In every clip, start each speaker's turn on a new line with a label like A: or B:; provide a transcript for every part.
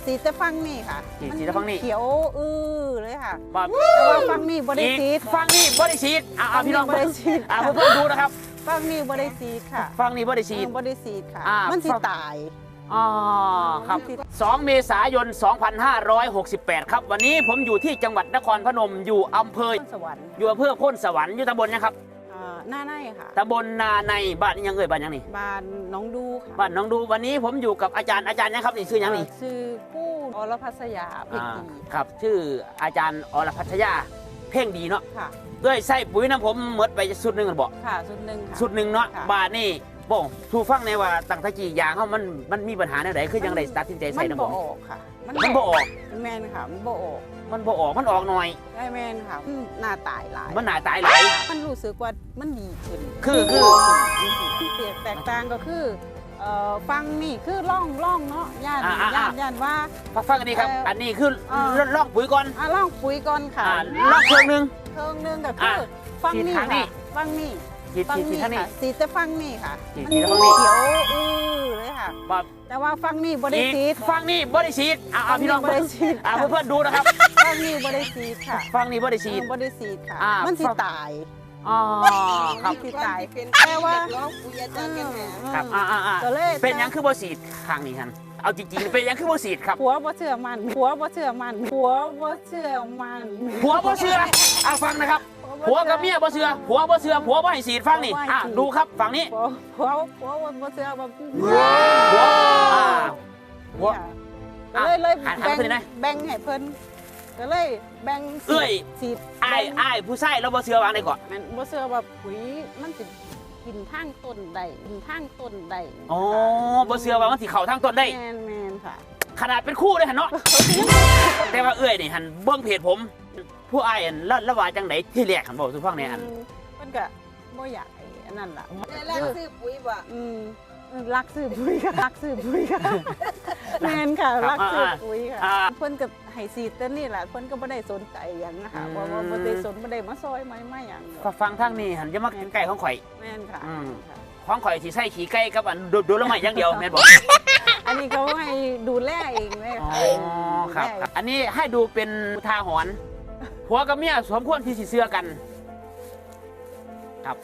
A: สีจะฟังนี่ค่ะ
B: สีจะฟังนี่
A: เขียวเลยค่ะ
B: แต่
A: ว่าฟังนี่บริสี
B: ฟังนี่บริสีพี่น้อง
A: บริสี
B: เพื่อนดูนะครับ
A: ฟังนี่บริสีค่ะ
B: ฟังนี่บริสี
A: บริสีค่ะมันสิตาย
B: ครับ2 เมษายน 2568 ครับวันนี้ผมอยู่ที่จังหวัดนครพนมอยู่อำเภอ
A: สวรรค์
B: อยู่อำเภอโพนสวรรค์อยู่ตำบลนะครับ
A: หน้าในค่ะ
B: ตำบลนาในบ้านยังบ้านยังนี่
A: บ้านน้องดูค่ะ
B: บ้านน้องดูวันนี้ผมอยู่กับอาจารย์นะครับนี่ชื่อยังนี่
A: ชื่อกู้อรพัชยาเพ่งดี
B: ครับชื่ออาจารย์อรพัชยาเพ่งดีเนาะ
A: ค่ะ
B: ด้วยใส่ปุ๋ยน้ำผมหมดไปสุดหนึ่งกันบอก
A: ค่ะสุดหนึ่ง
B: เนาะบ้านนี่บ่ทูฟังในว่าตั้งตะกี้ยางเขามันมีปัญหาในไหนคือยังได้ตัดสินใจใส่น้ำผม
A: มันบ่ออกค่ะ
B: มันบ่ออก
A: แมนค่ะมันบ่ออก
B: มันออกหน่อย
A: ได้แมนค่ะหน้าตายหลาย
B: มันหน้าตายหลาย
A: มันรู้สึกว่ามันดีขึ้น
B: คือ
A: เสียแตกต่างก็คือฟังนี่คือล่องเนาะย่านว่า
B: ฟังอันนี้ครับอันนี้คือล่องปุ๋ยก่อน
A: ล่องปุ๋ยก่อนค่ะ
B: ล่องเครื่องนึง
A: ก็คือฟังนี่ค่ะฟังนี่ค่ะสีจะฟังนี่ค่ะมันเขียวเลยค่ะแต่ว่าฟังนี่บริสี
B: ฟังนี่บริสีพี่น้องบริสีเพื่อนดูนะครับ
A: ฟังนี่บริสีค่ะ
B: ฟังนี่บริสี
A: ค่ะมันสิตาย
B: ครับ
A: สิตายแต่ว่า
B: ครับเป็นยังคือบริสีทางนี้ครับเอาจริงๆเป็นยังคือบริสีครับ
A: ผัวบ่เชื่อมัน
B: ฟังนะครับผัวกับเมียบ่เชื่อผัวบ่ให้สีดฟังนี่ดูครับฝั่งนี้
A: ผัวบ่เชื่อผัวเลยแบ่งให้เพิ่นก็เลยแบ่งสีด
B: อ้ายผู้ชายเราบ่เชื่อวางได้ก่อน
A: มันบ่เชื่อว่าปุ๋ยมันสิกินทางต้นได้
B: อ๋อบ่เชื่อว่ามันสิเข้าทางต้นได้
A: แม่นค่ะ
B: ขนาดเป็นคู่เลยหั่นเนาะแต่ว่านี่หั่นเบิ่งเพจผมผู้อ้ายละว่าจังได๋ที่แรกหั่นบอกสู่ฟังแน่อัน
A: เพิ่นก็บ่อยากอันนั้นล่ะ
C: รักซื้อปุ๋ยบ่
A: รักซื้อปุ๋ยค่ะแม่นค่ะรักซื้อปุ๋ยค่ะเพิ่นก็ให้สีดแต่นี่แหละเพิ่นก็บ่ได้สนใจหยังนะคะว่าบ่ได้มาซอยไม่หยัง
B: ฟังทางนี้หั่นอย่ามาใกล้ของข่อย
A: แม่นค่ะ
B: ของข่อยสิใส่ขี้ไก่กับอันดูละไม้อย่างเดียวแม่นบ่
A: อันนี้เขาให้ดูแลเองเลย
B: ค่ะครับอันนี้ให้ดูเป็นอุทาหรณ์ผัวกับเมียสมควรที่สิเชื่อกันครับ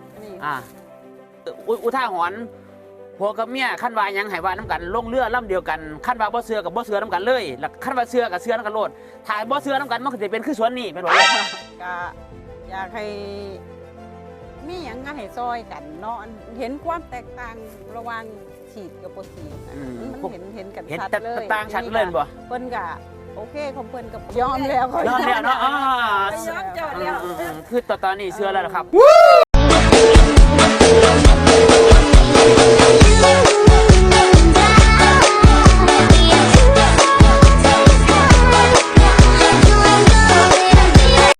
B: อุทาหรณ์ผัวกับเมียขั้นว่ายังให้ว่าน้ำกันลงเรือลำเดียวกันขั้นว่าบ่เชื่อกับบ่เชื่อน้ำกันเลยแล้วขั้นว่าเชื่อกับเชื่อน้ำกันโลดถ้าบ่เชื่อน้ำกันมันก็จะเป็นคือสวนนี่เป็นบ่
A: ก็อยากให้มีอย่างงั้นให้ซอยกันเนาะเห็นความแตกต่างระหว่างฉีดกับบ่ฉีดมันเห็นกันชัดเลย
B: ต่างชัดเลยบ่
A: เพิ่นก็โอเคของเพิ่นก็ยอมแล้ว
B: เนาะคือตอนนี้เชื่อแล้วครับ